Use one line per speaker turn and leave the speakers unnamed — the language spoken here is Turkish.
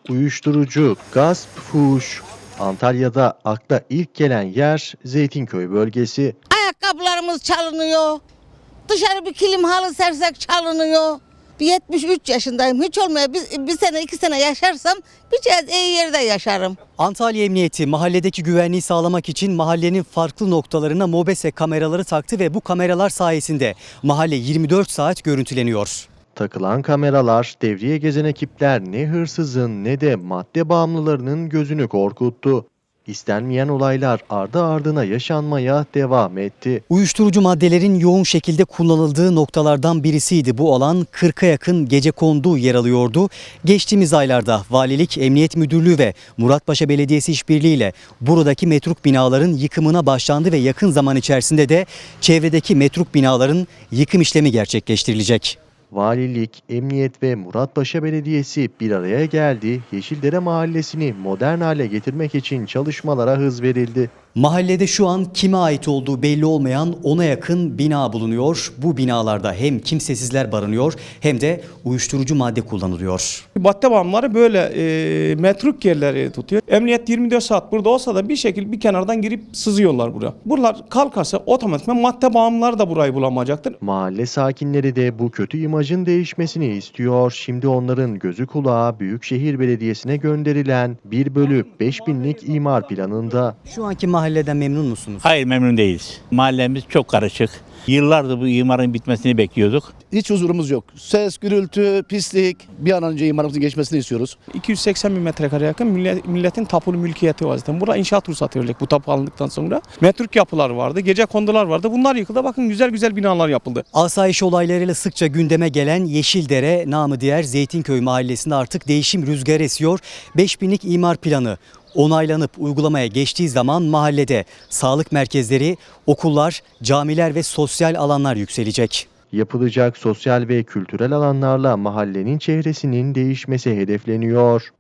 Uyuşturucu, gasp, fuhuş. Antalya'da akla ilk gelen yer Zeytinköy bölgesi.
Ayakkabılarımız çalınıyor. Dışarı bir kilim halı sersek çalınıyor. Bir 73 yaşındayım. Hiç olmaya bir sene 2 sene yaşarsam bir cihaz iyi yerde yaşarım.
Antalya Emniyeti mahalledeki güvenliği sağlamak için mahallenin farklı noktalarına MOBESE kameraları taktı ve bu kameralar sayesinde mahalle 24 saat görüntüleniyor.
Takılan kameralar, devriye gezen ekipler ne hırsızın ne de madde bağımlılarının gözünü korkuttu. İstenmeyen olaylar ardı ardına yaşanmaya devam etti.
Uyuşturucu maddelerin yoğun şekilde kullanıldığı noktalardan birisiydi. Bu alan 40'a yakın gecekondu yer alıyordu. Geçtiğimiz aylarda Valilik, Emniyet Müdürlüğü ve Muratpaşa Belediyesi işbirliğiyle buradaki metruk binaların yıkımına başlandı ve yakın zaman içerisinde de çevredeki metruk binaların yıkım işlemi gerçekleştirilecek.
Valilik, Emniyet ve Muratpaşa Belediyesi bir araya geldi. Yeşildere Mahallesi'ni modern hale getirmek için çalışmalara hız verildi.
Mahallede şu an kime ait olduğu belli olmayan 10'a yakın bina bulunuyor. Bu binalarda hem kimsesizler barınıyor hem de uyuşturucu madde kullanılıyor.
Madde bağımlıları böyle metruk yerleri tutuyor. Emniyet 24 saat burada olsa da bir şekilde bir kenardan girip sızıyorlar buraya. Buralar kalkarsa otomatikman madde bağımlıları da burayı bulamayacaktır.
Mahalle sakinleri de bu kötü imajın değişmesini istiyor. Şimdi onların gözü kulağı Büyükşehir Belediyesi'ne gönderilen 1/5000'lik imar planında.
Şu anki mahalleden memnun musunuz?
Hayır, memnun değiliz. Mahallemiz çok karışık. Yıllardır bu imarın bitmesini bekliyorduk.
Hiç huzurumuz yok. Ses, gürültü, pislik. Bir an önce imarımızın geçmesini istiyoruz.
280 bin metrekare yakın milletin tapulu mülkiyeti var zaten. Burada inşaat ruhsatı verilecek bu tapu alındıktan sonra. Metruk yapılar vardı, gece kondular vardı. Bunlar yıkıldı. Bakın güzel güzel binalar yapıldı.
Asayiş olaylarıyla sıkça gündeme gelen Yeşildere, namı diğer Zeytinköy mahallesinde artık değişim rüzgarı esiyor. 5000'lik imar planı onaylanıp uygulamaya geçtiği zaman mahallede sağlık merkezleri, okullar, camiler ve sosyal alanlar yükselecek.
Yapılacak sosyal ve kültürel alanlarla mahallenin çehresinin değişmesi hedefleniyor.